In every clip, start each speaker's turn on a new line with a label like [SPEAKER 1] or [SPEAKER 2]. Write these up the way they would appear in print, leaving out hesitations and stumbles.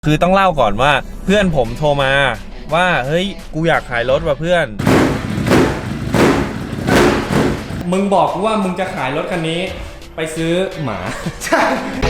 [SPEAKER 1] คือต้องเล่าก่อนว่าเพื่อนผมโทรมาว่าเฮ้ยกูอยากขายรถว่ะเพื่อนมึงบอกกูว่ามึงจะขายรถคันนี้ไปซื้อหมาใช่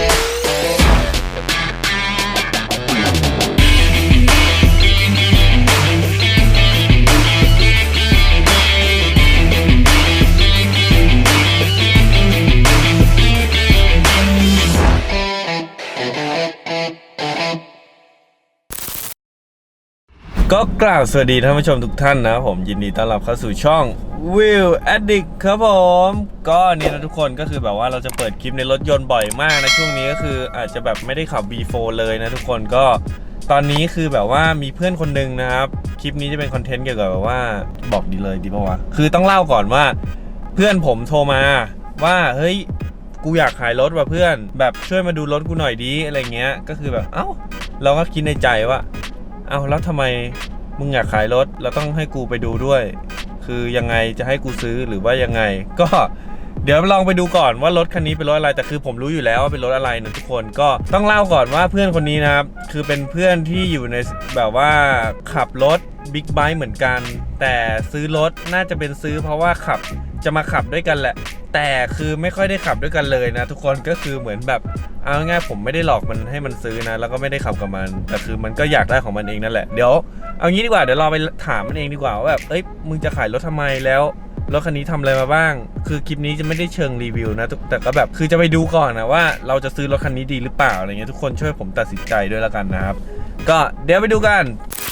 [SPEAKER 1] ก็กล่าวสวัสดีท่านผู้ชมทุกท่านนะผมยินดีต้อนรับเข้าสู่ช่อง Wheel Addict ครับผมก็เนี่ยนะทุกคนก็คือแบบว่าเราจะเปิดคลิปในรถยนต์บ่อยมากนะช่วงนี้ก็คืออาจจะแบบไม่ได้ขับ V4 เลยนะทุกคนก็ตอนนี้คือแบบว่ามีเพื่อนคนหนึ่งนะครับคลิปนี้จะเป็นคอนเทนต์เกี่ยวกับแบบว่าบอกดีเลยดีป่าวะคือต้องเล่าก่อนว่าเพื่อนผมโทรมาว่าเฮ้ยกูอยากขายรถว่ะเพื่อนแบบช่วยมาดูรถกูหน่อยดีอะไรเงี้ยก็คือแบบเอ้าเราก็คิดในใจว่าเอาแล้วทำไมมึงอยากขายรถแล้วต้องให้กูไปดูด้วยคือยังไงจะให้กูซื้อหรือว่ายังไงก็เดี๋ยวลองไปดูก่อนว่ารถคันนี้เป็นรถอะไรแต่คือผมรู้อยู่แล้วว่าเป็นรถอะไรนะทุกคนก็ต้องเล่าก่อนว่าเพื่อนคนนี้นะครับคือเป็นเพื่อนที่อยู่ในแบบว่าขับรถบิ๊กไบค์เหมือนกันแต่ซื้อรถน่าจะเป็นซื้อเพราะว่าจะมาขับด้วยกันแหละแต่คือไม่ค่อยได้ขับด้วยกันเลยนะทุกคนก็คือเหมือนแบบเอาง่ายๆผมไม่ได้หลอกมันให้มันซื้อนะแล้วก็ไม่ได้ขับกับมันแต่คือมันก็อยากได้ของมันเองนั่นแหละเดี๋ยวเอางี้ดีกว่าเดี๋ยวเราไปถามมันเองดีกว่าว่าแบบเอ้ยมึงจะขายรถทำไมแล้วรถคันนี้ทำอะไรมาบ้างคือคลิปนี้จะไม่ได้เชิงรีวิวนะแต่ก็แบบคือจะไปดูก่อนนะว่าเราจะซื้อรถคันนี้ดีหรือเปล่าอะไรเงี้ยทุกคนช่วยผมตัดสินใจด้วยแล้วกันนะครับก็เดี๋ยวไปดูกัน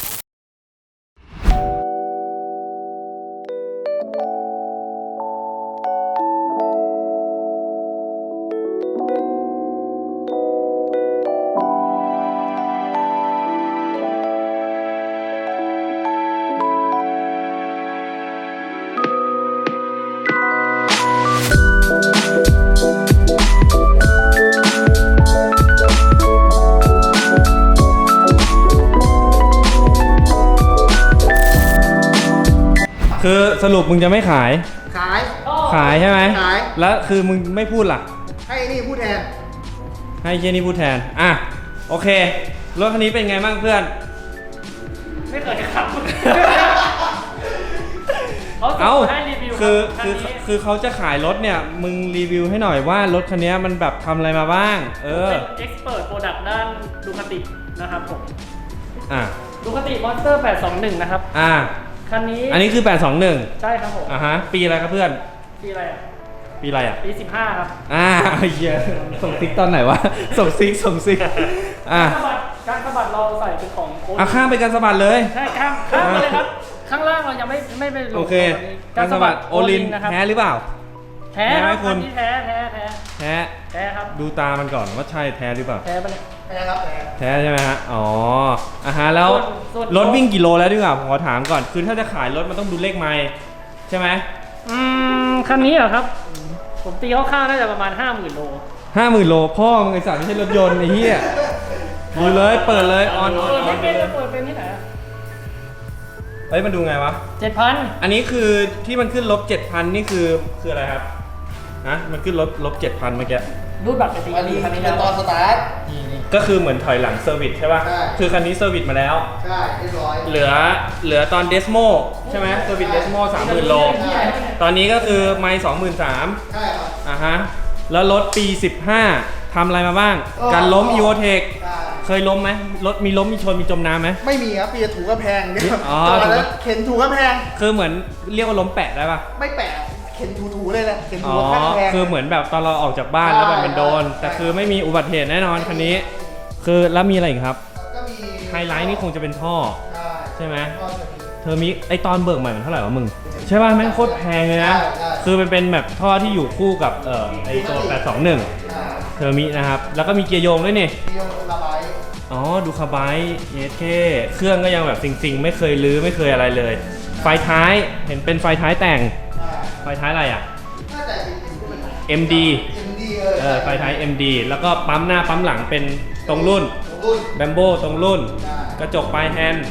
[SPEAKER 1] คือสรุปมึงจะไม่ขายใช่ไหมขายแล้วคือมึงไม่พูดล่ะ
[SPEAKER 2] ให้นี่พูดแทน
[SPEAKER 1] ให้เจนี่พูดแทนอ่ะโอเครถคันนี้เป็นไงบ้างเพื่อน
[SPEAKER 3] ไม่เคยขับ
[SPEAKER 1] เอาคือเขาจะขายรถเนี่ยมึงรีวิวให้หน่อยว่ารถคันนี้มันแบบทำอะไรมาบ้าง
[SPEAKER 3] เป็นเอ็กซ์เพิร์ทโปรดักต์ด้านดูคาตินะครับผมดูคาติมอนสเตอร์821นะครับคันนี้
[SPEAKER 1] อันนี้คือ821
[SPEAKER 3] ใช่ครับผม
[SPEAKER 1] ฮะปีอะไรครับเพื่อน
[SPEAKER 3] ปีอะไรอ่ะปี15ครับ
[SPEAKER 1] เหี้ยส่งซิกตอนไหนวะส่งซิก
[SPEAKER 3] การสะบัดเราใส่เป็นของ
[SPEAKER 1] ข้ามไปการสะบัดเลย
[SPEAKER 3] ใช่ข้ามไปเลยครับข้างล่างเรายังไม่ไปลง
[SPEAKER 1] โอเคการสะบัดโอลินแท้หรือเปล่า
[SPEAKER 3] แท้ไหมคุณแท้ครับ
[SPEAKER 1] ดูตามันก่อนว่าใช่แท้หรือเปล่า
[SPEAKER 3] แท้ปะเนี่ย
[SPEAKER 2] แท้ครับ
[SPEAKER 1] แท้ใช่ไหมฮะอ๋อแล้วรถวิ่งกี่โลแล้วดีกว่าผมขอถามก่อนคือถ้าจะขายรถมันต้องดูเลขไมล์ใช่ไหม
[SPEAKER 3] คันนี้เหรอครับผมตีคร่าวๆน่าจะประมาณ 50,000 โล
[SPEAKER 1] 50,000 โลพ่อมึงไอ้สัตว์ไม่ใช่รถยนต์ไอ้เหี้ยดูเลยเปิดเลยออน
[SPEAKER 3] ไม่เป็นจะเปิดเป็นที่ไหน
[SPEAKER 1] เฮ้ยมันดูไงวะ
[SPEAKER 3] 7,000
[SPEAKER 1] อันนี้คือที่มันขึ้น-7,000นี่คืออะไรครับมันขึ้น-7,000เมื่อกี้
[SPEAKER 3] รูดบัตรไปสิ
[SPEAKER 2] คันนี้เป็นตอนสตาร์ท
[SPEAKER 1] ก็คือเหมือนถอยหลังเซอร์วิสใช่ป่ะคือคันนี้เซอร์วิสมาแล้ว
[SPEAKER 2] ใช่เรียบร้อย
[SPEAKER 1] เหลือตอนเดสโมใช่ไหมเซอร์วิสเดสโม30,000 โลตอนนี้ก็คือไมล์23,000
[SPEAKER 2] ใช่ครับ
[SPEAKER 1] ฮะแล้วรถปี15ทำอะไรมาบ้างการล้มอีโวเทคเคยล้มไหมรถมีล้มมีชนมีจมน้ำไหม
[SPEAKER 2] ไม่มีครับปีถูกกระแพงเนี่ยจอดแล้วเข็นถูกกระแพง
[SPEAKER 1] คือเหมือนเรียกว่าล้มแปะได้ป่ะ
[SPEAKER 2] ไม่แปะเข็นถูเลยแหละเข็นถูกกระแพง
[SPEAKER 1] คือเหมือนแบบตอนเราออกจากบ้านแล้วแบบเป็นโดนแต่คือไม่มีอุบัติเหตุแน่นอนคันนี้คือแล้วมีอะไรอีกครับ
[SPEAKER 2] ก็มี
[SPEAKER 1] ไฮไลท์นี่คงจะเป็นท่อใช่ไหมเธอมีไอตอนเบิกใหม่มันเท่าไหร่วะมึงใช่ป่ะแม่งโคตรแพงเลยนะคือมันเป็นแบบท่อที่อยู่คู่กับไอตัว821เธอมีนะครับแล้วก็มีเกียร์โยงด้วยนี่
[SPEAKER 2] เกียร์โยงระบาย
[SPEAKER 1] ดูคาไบเยสเคเครื่องก็ยังแบบสิงไม่เคยลื้อไม่เคยอะไรเลยไฟท้ายเห็นเป็นไฟท้ายแต่งไฟท้ายอะไรอ่ะ MD ไฟท้าย MD แล้วก็ปั๊มหน้าปั๊มหลังเป็นตรงรุ่นแบมโบตรงรุ่นกระจกปลายแฮนด์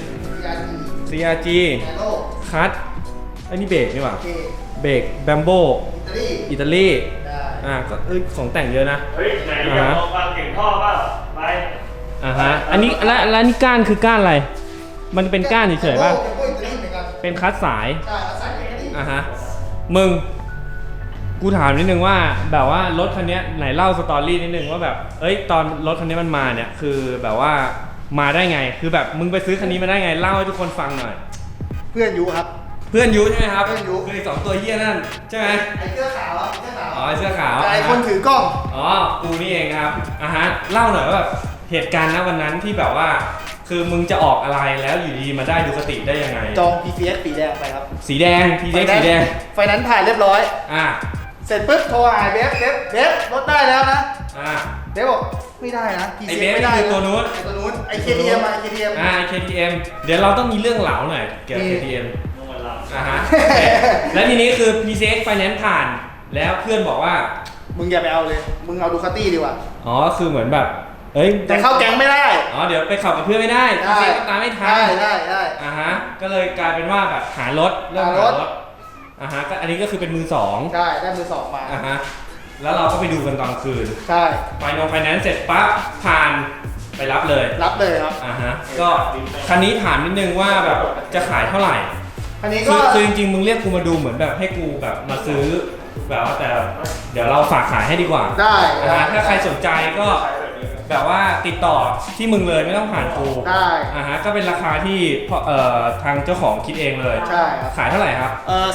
[SPEAKER 1] CRG คัทไอ้นี่เบรกนี่หว่าเบรกแบมโบอิตาลีก็ของแต่งเยอะนะ
[SPEAKER 3] เฮ้ยไหนอยากลองฟังเก่งท่อเปล่าไปฮะอันนี้แล้วนี่ก้านคือก้านอะไรมันเป็นก้านเฉยๆป่ะ
[SPEAKER 2] เทมโปอิตาลีเหมือนกัน
[SPEAKER 3] เป็นคัสสาย
[SPEAKER 2] ใช่แล้วใส่ไปกันดิ
[SPEAKER 3] ฮะมึงกูถามนิดนึงว่าแบบว่ารถคันนี้ไหนเล่าสตอรี่นิดนึงว่าแบบเอ้ยตอนรถคันนี้มันมาเนี่ยคือแบบว่ามาได้ไงคือแบบมึงไปซื้อคันนี้มาได้ไงเล่าให้ทุกคนฟังหน่อย
[SPEAKER 2] เพื่อนยูครับ
[SPEAKER 3] เพื่อนยูใช่ไหมครับ
[SPEAKER 2] เพื่อนยู
[SPEAKER 3] คือไอ้สองตัวเหี้ยนั่นใช่ไหม
[SPEAKER 2] ไอ้เสื้อขาวอะไอ้เสื้อขาว
[SPEAKER 3] อ๋อไอ้เสื้อขาว
[SPEAKER 2] แต่ไอ้คนถือกล้อง
[SPEAKER 3] อ๋อกูนี่เองครับฮะเล่าหน่อยว่าแบบเหตุการณ์ณวันนั้นที่แบบว่า คือมึงจะออกอะไรแล้วอยู่ดีมาได้ดูคติได้ยังไง
[SPEAKER 2] จอง PCX สีแดงไปครับ
[SPEAKER 3] สีแดงทีเด็กสีแดง
[SPEAKER 2] ไฟนั้นซ์ผ่านเรียบร้อย
[SPEAKER 3] อ่า
[SPEAKER 2] เสร็จปุ๊บโทรหาเบฟรถได้แล้วนะ
[SPEAKER 3] อ่า
[SPEAKER 2] เบฟบอกไม่ได้นะ
[SPEAKER 3] ไอ้
[SPEAKER 2] PCX
[SPEAKER 3] เบฟ
[SPEAKER 2] ไม่ได้
[SPEAKER 3] คือตัวนู้น
[SPEAKER 2] ไอ้ตัวนู้นไอ้ KTM อะไอ้ KTM
[SPEAKER 3] KTM เดี๋ยวเราต้องมีเรื่องเหลาหน่อยเกี่ยวกับ KTM ฮะ แล้วทีนี้คือ PCX Finance ผ่าน แล้วเพื่อนบอกว่า
[SPEAKER 2] มึงอย่าไปเอาเลย มึงเอาดูคาตี้ดีกว่า
[SPEAKER 3] อ๋อ คือเหมือนแบบ เอ้ย
[SPEAKER 2] แต่เข้าแก๊งไม่ได้
[SPEAKER 3] อ๋อ เดี๋ยวไปขับกับเพื่อนไม่ได้ PCX ก็ตามไม่ทัน
[SPEAKER 2] ได้
[SPEAKER 3] ฮะ ก็เลยกลายเป็นว่าแบบหารถเริ่มหารถฮะก็อันนี้ก็คือเป็นมือสอง
[SPEAKER 2] ได้มือสองมา
[SPEAKER 3] ฮะ แล้วเราก็ไปดูกันตอนคืน
[SPEAKER 2] ใช่
[SPEAKER 3] ไฟแนนซ์เสร็จปั๊บผ่านไปรับเลย
[SPEAKER 2] รับเลยครับ
[SPEAKER 3] ฮะ ก็คันนี้ถามนิดนึงว่าแบบจะขายเท่าไหร่
[SPEAKER 2] อันนี้
[SPEAKER 3] คื
[SPEAKER 2] ก็
[SPEAKER 3] อจริงๆมึงเรียกกูมาดูเหมือนแบบให้กูแบบมาซื้อแบบว่าแต่เดี๋ยวเราฝากขายให้ดีกว่า
[SPEAKER 2] ได้
[SPEAKER 3] ถ้าใครสนใจก็แบบว่าติดต่อที่มึงเลยไม่ต้องผ่านกู
[SPEAKER 2] ได้
[SPEAKER 3] ก็เป็นราคาที่ทางเจ้าของคิดเองเลย
[SPEAKER 2] ใช่ครับ
[SPEAKER 3] ขายเท่าไหร่ครับ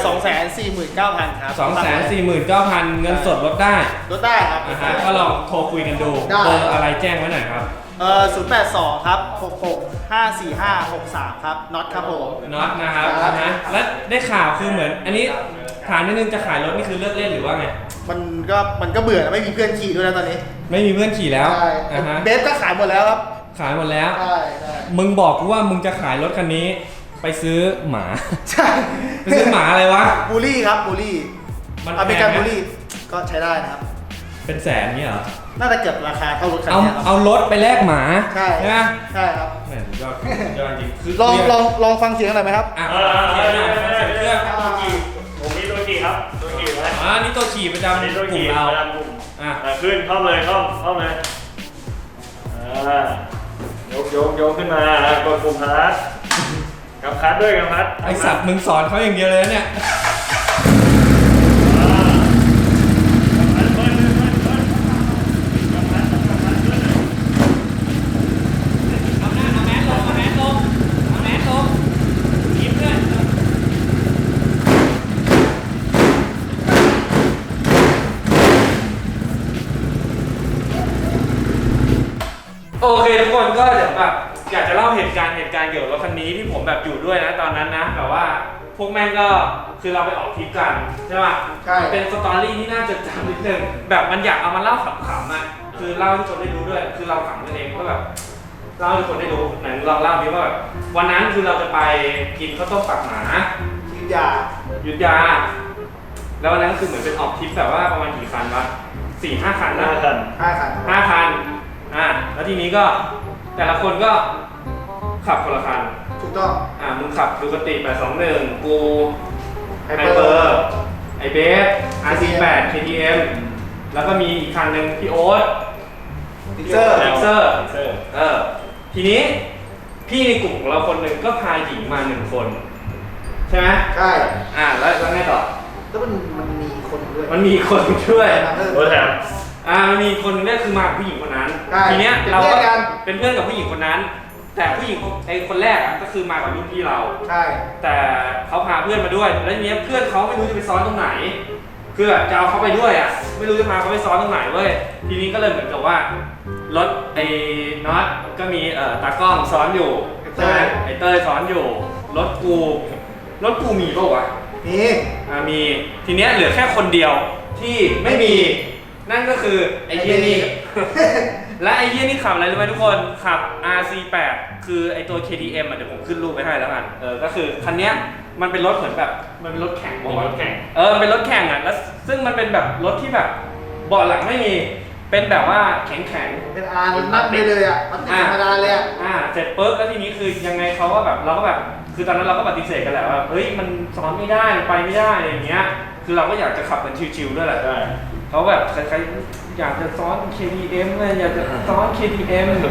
[SPEAKER 2] 249,000 ครับ
[SPEAKER 3] 249,000 เงินสดลดได้
[SPEAKER 2] ลดได้ครับ
[SPEAKER 3] ก็ลองโทรคุยกันดู
[SPEAKER 2] ได้
[SPEAKER 3] เบอร์อะไรแจ้งไว้หน่อยครับ
[SPEAKER 2] 082 ครับ 66 545 63 ครับน็อตครับผม
[SPEAKER 3] น็อตนะครับ
[SPEAKER 2] ครับ
[SPEAKER 3] และได้ข่าวคือเหมือน อันนี้ถามนิดนึงจะขายรถนี่คือเลิกเล่นหรือว่าไง
[SPEAKER 2] มันก็เบื่อแล้วไม่มีเพื่อนขี่ด้วยแล้วตอนนี้
[SPEAKER 3] ไม่มีเพื่อนขี่แล้ว
[SPEAKER 2] ใช่ เบฟก็ขายหมดแล้วครับ
[SPEAKER 3] ขายหมดแล้ว
[SPEAKER 2] ใช่
[SPEAKER 3] มึงบอกกูว่ามึงจะขายรถคันนี้ไปซื้อหมา
[SPEAKER 2] ใช่
[SPEAKER 3] ไปซื้อหมาอะไรวะ
[SPEAKER 2] บูลลี่ครับบูลลี่
[SPEAKER 3] มัน
[SPEAKER 2] อเมริกัน
[SPEAKER 3] แพงไหม
[SPEAKER 2] บูลลี่ก็ใช้ได้นะครับ
[SPEAKER 3] เป็นแสนเนี่ยเหรอ
[SPEAKER 2] น่าจะเกือบราคาเท่ารถคัน
[SPEAKER 3] เอา
[SPEAKER 2] นี้ครับ
[SPEAKER 3] เอารถไปแลกหมา
[SPEAKER 2] ใช่
[SPEAKER 3] ไหม
[SPEAKER 2] ใช่ครับ
[SPEAKER 3] แหมสุดยอดสุดยอดจริงคือ
[SPEAKER 2] ลองฟังเสียงหน่อยไหมครับ
[SPEAKER 3] อ่ะเสียงหน่อยเสียงเครื่อง
[SPEAKER 4] ผมมีตัวขี่ครับตัวขี่ไว้
[SPEAKER 3] นี่ตัวขี่ประจำ
[SPEAKER 4] นี่ตัว
[SPEAKER 3] กลุ่
[SPEAKER 4] ขี่
[SPEAKER 3] มเรา
[SPEAKER 4] ประจำกลุ่ม
[SPEAKER 3] อ่ะ
[SPEAKER 4] ขึ้นเข้าเลยเข้าเลยยกขึ้นมากดปุ่มคัสกับคัสด้วยกับคัส
[SPEAKER 3] ไอสัตว์มึงสอนเขาอย่างเดียวเลยนะเนี่ย เอาแมสลงยิ้มด้วย โอเคทุกคนก็เดี๋ยวแบบอยากจะเล่าเหตุการณ์เกี่ยวกับรถคันนี้ที่ผมแบบอยู่ด้วยนะตอนนั้นนะแบบว่าพวกแม่งก็คือเราไปออกทริปกันใช่ป่ะ
[SPEAKER 2] ใช่
[SPEAKER 3] มันเป็นสตอรี่ที่น่าจดจำนิดนึงแบบมันอยากเอามาเล่าขำๆอ่ะคือเล่าให้ทุกคนได้รู้ด้วยคือเราขำกันเองก็แบบเล่าให้ทุกคนได้รู้ไหนลองเล่าดิว่าแบบวันนั้นคือเราจะไปกินข้าวต้มปักหมา
[SPEAKER 2] ทีมยา
[SPEAKER 3] ยุทธยา แล้ววันนั้นก็คือเหมือนเป็นออกทริปแบบว่าประมาณกี่คันวะ4-5 คันนะ
[SPEAKER 4] 5 คัน
[SPEAKER 2] 5 คัน
[SPEAKER 3] 5 คันแล้วทีนี้ก็แต่ละคนก็ขับคนละคัน
[SPEAKER 2] ถูกต้อง
[SPEAKER 3] มึงขับดูกติ821กูไฮ
[SPEAKER 2] Hyper
[SPEAKER 3] เปอร์ไอเบส RC8 KTM แล้วก็มีอีกคันหนึ่งพี่โอ๊ต
[SPEAKER 2] ดิเซอร์
[SPEAKER 3] เซอร์ทีนี้พี่ในกลุ่มของเราคนหนึ่งก็พาหญิงมา1 คน ใช่ไหม
[SPEAKER 2] ใช่
[SPEAKER 3] แล้วไงต่อ
[SPEAKER 2] แล้วมันมีคนด้วย
[SPEAKER 3] มันมีคนช่วย
[SPEAKER 4] รถแถม
[SPEAKER 3] มันมีคนเนี่ยคือมากับผู้หญิงคนนั้น
[SPEAKER 2] ใช่
[SPEAKER 3] ทีเนี้ยเรา
[SPEAKER 2] เป็นเพื่
[SPEAKER 3] ก็
[SPEAKER 2] อนกัน
[SPEAKER 3] เป็นเพื่อนกับผู้หญิงคนนั้น แต่ผู้หญิงไอ้คนแรกก็คือมากับรุ่นพี่เรา
[SPEAKER 2] ใช่ แต่
[SPEAKER 3] แต่เขาพาเพื่อนมาด้วย แล้วทีเนี้ยเพื่อนเขาไม่รู้จะไปซ้อนตรงไหน คือแบบจะเอาเขาไปด้วยไม่รู้จะพาเขาไปซ้อนตรงไหนเว้ย ทีนี้ก็เลยเหมือนกับว่ารถไอ้น็อตก็มีตากล้องซ้อนอยู่ใช่ไหมไอ้เต้ยซ้อนอยู่ รถกูมีป่าวะ
[SPEAKER 2] นี่
[SPEAKER 3] มีทีเนี้ยเหลือแค่คนเดียวที่ไม่มีนั่นก็คือไอ้เหี้ยนี่ และไอ้เหี้ยนี่ขับอะไรรู้ไหมทุกคนขับ RC8 คือไอ้ตัว KTM เดี๋ยวผมขึ้นรูปไว้ให้แล้วกันก็คือคันเนี้ยมันเป็นรถเหมือนแบบมันเป็นรถแข่ง
[SPEAKER 4] รถแข่ง
[SPEAKER 3] มันเป็นรถแข่งแล้วซึ่งมันเป็นแบบรถที่แบบเบาะหลังไม่มีเป็นแบบว่าแข็ง
[SPEAKER 2] เป็นอาร์นั่งไปเลยอ่ะ มันธรรมดาเลยอ่ะ
[SPEAKER 3] เสร็จปุ๊บแล้วทีนี้คือยังไงเขาก็แบบเราก็แบบคือตอนนั้นเราก็ปฏิเสธกันแหละว่าเฮ้ยมันซ้อนไม่ได้ไปไม่ได้อะไรอย่างเงี้ยคือเราก็อยากจะขับกันชิวๆด้วยแหละ
[SPEAKER 4] ใช่
[SPEAKER 3] เขาแบบใครๆอยากจะซ้อน KTM เลยอยากจะซ้อน KTM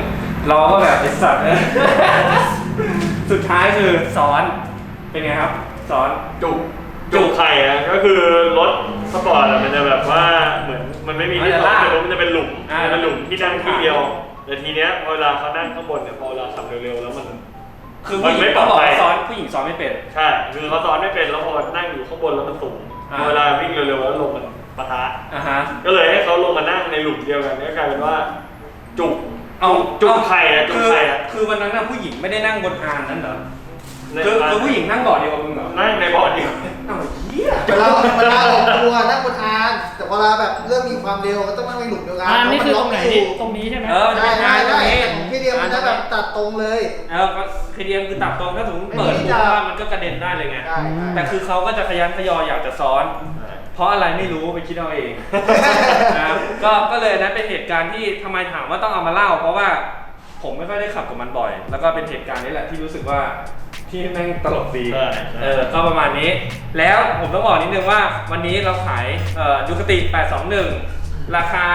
[SPEAKER 3] เราก็แบบไอ้สัตว์เลย สุดท้ายคือซ้อนเป็นไงครับซ้อน
[SPEAKER 4] จุกไข่อะก็คือรถสปอร์ตอะมันจะแบบว่าเหมือนมันไม่มีที่ขับแต่รถมันจะเป็นหลุมเป็นหลุมที่นั่งที่เดียวแต่ทีเนี้ยเวลาเขานั่งข้างบนเนี่ยพอเวลาขับเร็วๆแล้วมัน
[SPEAKER 3] คือผู้หญิงเขาบอกว่าซ้อนผู้หญิงซ้อนไม่เป็น
[SPEAKER 4] ใช่คือเขาซ้อนไม่เป็นแล้วพอนั่งอยู่ข้างบนแล้วมันสูงเวลาวิ่งเร็วๆแล้วลมมันปะทะก็เลยให้เขาลงมานั่งในหลุมเดียวกันก็กลายเป็นว่าจุกไข่อะจุกไข่อะ
[SPEAKER 3] คือวันนั้นผู้หญิงไม่ได้นั่งบนอานนั้นเหรอคือผู้หญิงนั่งเบาะเดียวกับมึงเหรอ
[SPEAKER 4] นั่งในเบาะเดียว
[SPEAKER 3] อ้าวเหี้ย
[SPEAKER 2] เวลาออกตัวนั่งบนอานแต่เวลาแบบเริ่มมีความเร็วก็ต้องนั่งในหลุมเดียวกัน
[SPEAKER 5] นี่คือตรงไหนตรงนี้ใช่ไหม
[SPEAKER 2] ใช่พี่เดียมันจะแบบตัดตรงเลย
[SPEAKER 3] คือเดียมคือตัดตรงถ้าสมมติเปิดปุ๊บว่ามันก็กระเด็นได้เลยไงแต่คือเขาก็จะขยันขยออยากจะซ้อนเพราะอะไรไม่รู้ไปคิดเอาเองนะครับก็เลยนั้นเป็นเหตุการณ์ที่ทำไมถามว่าต้องเอามาเล่าเพราะว่าผมไม่ค่อยได้ขับกับมันบ่อยแล้วก็เป็นเหตุการณ์นี้แหละที่รู้สึกว่าที่แม่งตลกดีก็ประมาณนี้แล้วผมต้องบอกนิดนึงว่าวันนี้เราขายดูคติ821ราคา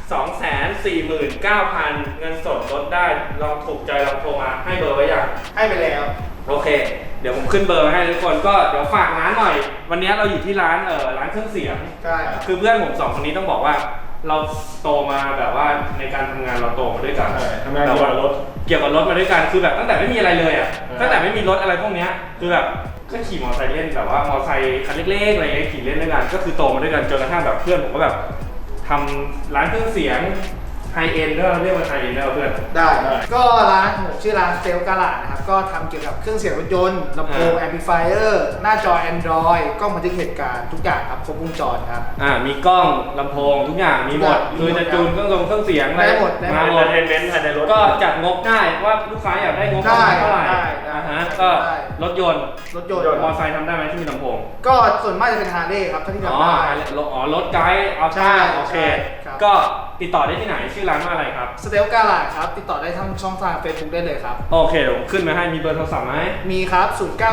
[SPEAKER 3] 249,000 เงินสดลดได้ลองถูกใจลองโทรมาให้เบอร์ไว้ยัง
[SPEAKER 2] ให้ไปแล้ว
[SPEAKER 3] โอเคเดี๋ยวผมขึ้นเบอร์ให้ทุกคนก็เดี๋ยวฝากร้านหน่อยวันนี้เราอยู่ที่ร้านเครื่องเสียง
[SPEAKER 2] ใช่
[SPEAKER 3] คือเพื่อนผม2คนนี้ต้องบอกว่าเราโตมาแบบว่าในการทำงานเราโตมาด้วยกัน
[SPEAKER 4] ทำงานเกี่ยวกับ
[SPEAKER 3] รถมาด้วยกันคือแบบตั้งแต่ไม่มีอะไรเลยอ่ะตั้งแต่ไม่มีรถอะไรพวกนี้คือแบบก็ขี่มอเตอร์ไซค์เล่นแบบว่ามอเตอร์ไซค์คันเล็กๆอะไรเงี้ยขี่เล่นด้วยกันก็คือโตมาด้วยกันจนกระทั่งแบบเพื่อนผมก็แบบทำร้านเครื่องเสียงไฮเอ็นด้วยเรียกว่าไฮเอ็นได้เพื่อน
[SPEAKER 2] ได้ก็ร้านผมชื่อร้านสเตลกาลาดนะครับก็ทำเกี่ยวกับเครื่องเสียงรถยนต์ลำโพงแอมพลิฟายเออร์หน้าจอ Android กล้องบันทึกเหตุการณ์ทุกอย่างครับครบวงจรครับ
[SPEAKER 3] มีกล้องลำโพงทุกอย่างมีหมดคือจะจูนเครื่องเสียง
[SPEAKER 2] ได้หมด
[SPEAKER 3] มาหมดก็จัดงบได้ว่าลูกค้าอยากได้งบเท่าไหร่ก็รถยนต์มอเตอร์ไซค์ทำได้ไหมที่มีลำโพง
[SPEAKER 2] ก็ส่วนมากจะเป็นฮาร์เลย์ครับที่ทำได้
[SPEAKER 3] รถไกด์เอาใช่โอเคก็ติดต่อได้ที่ไหนชื่อร้านว่าอะไรครับ
[SPEAKER 2] สเตลกาลาดครับติดต่อได้ทั้งช่องทาง Facebook ได้เลยครับ
[SPEAKER 3] โอเคเดี๋ยวขึ้นมาให้มีเบอร์โทรศัพท์ไหม
[SPEAKER 2] มีครับ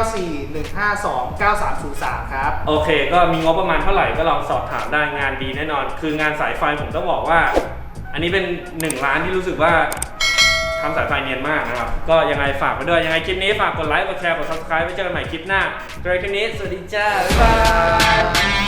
[SPEAKER 2] 0941529303ครับ
[SPEAKER 3] โอเคก็มีงบประมาณเท่าไหร่ก็ลองสอบถามได้งานดีแน่นอนคืองานสายไฟผมต้องบอกว่าอันนี้เป็น1ร้านที่รู้สึกว่าทำสายไฟเนียนมากนะครับก็ยังไงฝากไปด้วยยังไงคลิปนี้ฝากกดไลค์กดแชร์กด Subscribe ไว้เจอกันใหม่คลิปหน้าโดยคลิปนี้สวัสดีจ้าบ๊ายบาย